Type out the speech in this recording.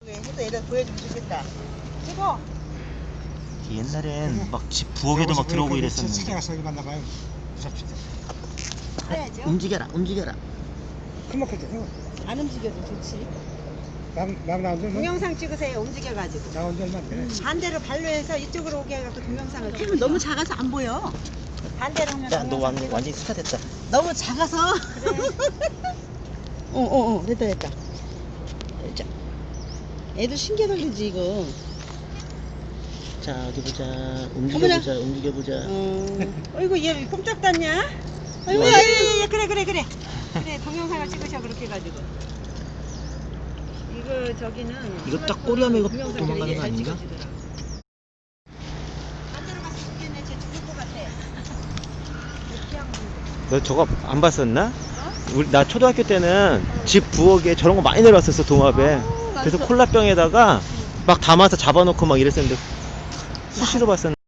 해서 애들 보여주면 좋겠다. 찍어. 옛날엔 막 집 부엌에도 막 들어오고 이랬었는데. 찾아가서 여기 만나봐요. 무섭시다. 해야죠. 움직여라, 움직여라. 큰먹거든. 안 움직여도 좋지. 막 나온들 뭐 동영상 찍으세요. 움직여가지고. 나온 지 얼마 안 되네. 반대로 발로해서 이쪽으로 오게 해갖고 동영상을 찍으면 너무 작아서 안 보여. 반대로 하면 야, 너 동영상 찍어. 완전히 스타 됐다. 너무 작아서. 그래. 됐다. 자, 애들 신기해 걸리지 이거. 자, 어디 보자. 어머나. 움직여보자. 어이구 얘 꼼짝 닿냐? 어이구 맞아. 예, 그래. 그래 동영상을 찍으셔 그렇게 해가지고. 이거 저기는. 이거 딱 꼬리하면 이거 동영상 도망가는 되게 거 잘 아닌가? 찍어주더라. 반대로 가서 죽겠네. 쟤 죽을 것 같아. 이렇게 하면 너 저거 안 봤었나? 나 초등학교 때는 집 부엌에 저런 거 많이 내려왔었어, 동합에. 그래서 콜라병에다가 막 담아서 잡아놓고 막 이랬었는데 수시로 봤었는데.